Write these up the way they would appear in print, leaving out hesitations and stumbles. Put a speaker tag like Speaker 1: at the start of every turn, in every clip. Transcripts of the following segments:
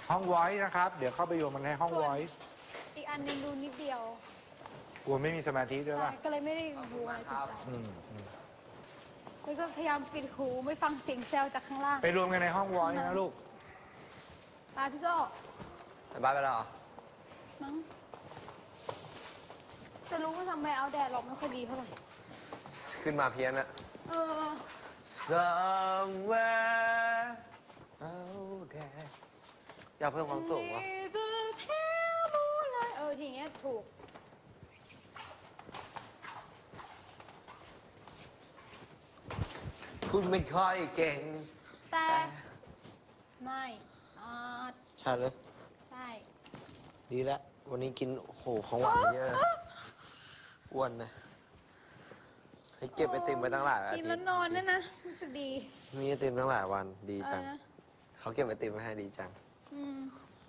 Speaker 1: ห้อง voice นะครับ เดี๋ยวเข้าไปรวมมันในห้อง voice
Speaker 2: อีกอันหนึงดูนิดเดียว
Speaker 1: กลัวไม่มีสมาธิด้วย
Speaker 2: ใช่
Speaker 1: ป่ะ
Speaker 2: ก็เลยไม่ได้ดูอะไรสนใจ
Speaker 1: อืม
Speaker 2: แล้วก็พยายามปิดหูไม่ฟังเสียงแซวจากข้างล่าง
Speaker 1: ไปรวมกันในห้อง voice นะลูก
Speaker 2: พี่โซ่
Speaker 3: ไปบ้านไปแล้วเหรอ
Speaker 2: มั้งแต่รู้ว่าทำไมเอาแดดหรอกไม่ค่อยดีเท่าไหร่
Speaker 3: ขึ้นมาเพี้ยนอะ
Speaker 2: เออ
Speaker 3: somewhere out there อยากเพิ่มความสูงวะ
Speaker 2: ทีเงี้ยถูก
Speaker 3: พูดไม่ค่อยเก่ง
Speaker 2: แต่ไม่อาจ
Speaker 3: ใช่เลย
Speaker 2: ใช่
Speaker 3: ดีแล้ว วันนี้กินโอ้โหของหวานเยอะอ้วนนะให้เก็บไอติมไปตั้งหลายอาทิตย์
Speaker 2: กินแล้วนอนนั่นนะรู้สึกดี
Speaker 3: มีไอติมตั้งหลายวันดีจัง
Speaker 2: นะ
Speaker 3: เขาเก็บไอติมมาให้ดีจัง
Speaker 2: อืม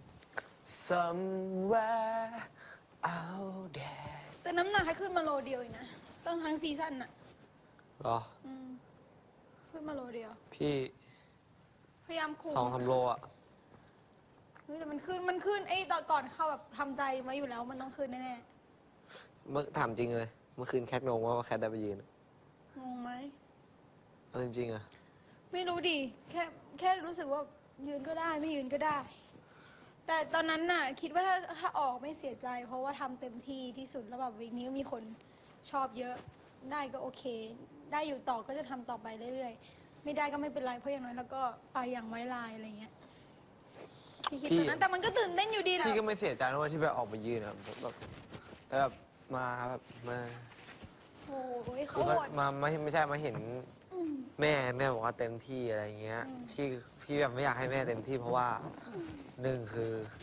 Speaker 3: somewhere out there
Speaker 2: แต่น้ำหนักให้ขึ้นมาโลเดียวเองนะ ต้องทั้งซีซั่นน่ะ
Speaker 3: เหรอ
Speaker 2: อืมขึ้นมาโลเดียว
Speaker 3: พี่
Speaker 2: พยายามคุม
Speaker 3: 2-3 โลอะ
Speaker 2: เฮ้ยแต่มันขึ้นไอ้ตอนก่อนเข้าแบบทำใจมาอยู่แล้วมันต้องขึ้นแน่
Speaker 3: เมื่อถามจริงเลย เมื่อคืนแคทงงว่าแคทได้ไปยืนอะ
Speaker 2: ๆงงไหม
Speaker 3: เอาจริงๆอะ
Speaker 2: ไม่รู้ดิแค่รู้สึกว่ายืนก็ได้ไม่ยืนก็ได้ แต่ตอนนั้นน่ะ คิดว่าถ้าออกไม่เสียใจ เพราะว่าทำเต็มที่ที่สุดแล้วแบบวีคนี้ก็มีคนชอบเยอะ ได้ก็โอเค ได้อยู่ต่อก็จะทำต่อไปเรื่อยๆ ไม่ได้ก็ไม่เป็นไรเพราะอย่างน้อยแล้วก็ไปอย่างไว้ลายอะไรเงี้ยที่คิดตอนนั้นแต่มันก็ตื่นเต้นอยู่ดีนะ
Speaker 3: พี่ก็ไม่เสียใจนะว่าที่แบบออกมายืนอะแบบแต่แบบมาแบบมา
Speaker 2: โอ้ย
Speaker 3: คื
Speaker 2: เขา
Speaker 3: อ
Speaker 2: โหด
Speaker 3: มาไม่ใช่มาเห็นแม่บอกว่าเต็มที่อะไรเงี้ยพี่แบบไม่อยากให้แม่เต็มที่เพราะว่าหนึ่งคือ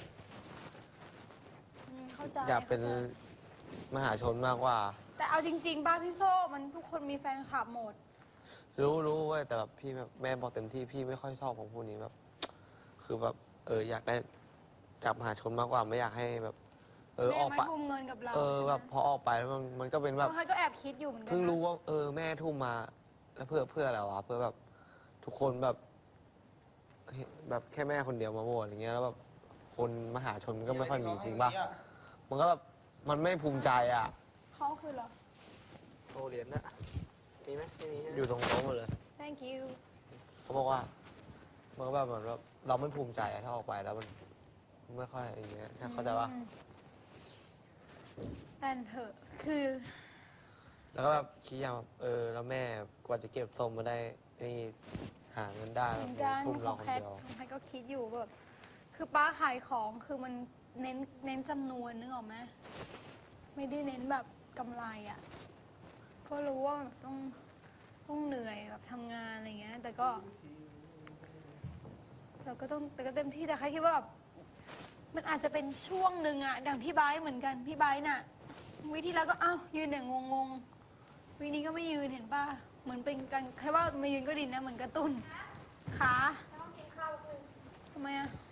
Speaker 2: เข้าใจ
Speaker 3: อยากเป็นมหาชนมากกว่า
Speaker 2: แต่เอาจริงๆป้าพี่โซ่มันทุกคนมีแฟนคลับหมด
Speaker 3: รู้เว้ยแต่แบบพี่แบบแม่บอกเต็มที่พี่ไม่ค่อยชอบของพวกนี้แบบ คือแบบอยากได้จับมหาชนมากกว่าไม่อยากให้แบบ อ
Speaker 2: แม่
Speaker 3: อก
Speaker 2: ไม่
Speaker 3: ไป
Speaker 2: ทุ่มเงินกับเรา
Speaker 3: แบ
Speaker 2: ใช่ไหม
Speaker 3: บพอออกไปแล้วมันก็เป็นแบบ
Speaker 2: เขาก็แอบคิดอยู่เหมือนกั
Speaker 3: เพิ่ง
Speaker 2: นะ
Speaker 3: รู้ว่าแม่ทุ่มมา แล้วเพื่ออะไรวะเพื่อแบบทุกคนแบบแบบแค่แม่คนเดียวมาโหวตอย่างเงี้ยแล้วแบบคนมหาชนมันก็ไม่ค่อยมีจริงป่ะมันก็แบบมันไม่ภูมิใจอ่ะ
Speaker 2: เขาคือเหรอ
Speaker 3: โตเหรียญนะมีไหมไม่มีอยู่ตรงโต๊ะหมดเลย
Speaker 2: thank you
Speaker 3: เขาบอกว่ามันก็แบบเหมือนแบบเราไม่ภูมิใจอะถ้าออกไปแล้วมันไม่ค่อยอย่างเงี้ยใช่เข้าใจป่ะ
Speaker 2: แต่เถอะคือ
Speaker 3: แล้วก็แบบคิดอย่างแบบแล้วแม่กว่าจะเก็บทรงมาได้นี่หาเงินได้
Speaker 2: เห
Speaker 3: แบ
Speaker 2: มื
Speaker 3: บ
Speaker 2: อนกัน
Speaker 3: ทุ่ม
Speaker 2: ข
Speaker 3: เรา
Speaker 2: อง
Speaker 3: คน
Speaker 2: แคท
Speaker 3: เดียว
Speaker 2: ของแคทก็คิดอยู่แบบคือป้าขายของคือมันเน้นจำนวนนึกออกไหมไม่ได้เน้นแบบกำไรอ่ะก็รู้ว่าต้องเหนื่อยแบบทำงานอะไรเงี้ยแต่ก็เต็มที่แต่แค่คิดว่าแบบมันอาจจะเป็นช่วงหนึ่งอะดังพี่ไบร์ทเหมือนกันพี่ไบร์ทน่ะวิธีแล้วก็อ้าวยืนอย่างงงวินี้ก็ไม่ยืนเห็นป่ะเหมือนเป็นการแค่ว่ามายืนก็ดีนะเหมือนกระตุ้นขาทำไมอะ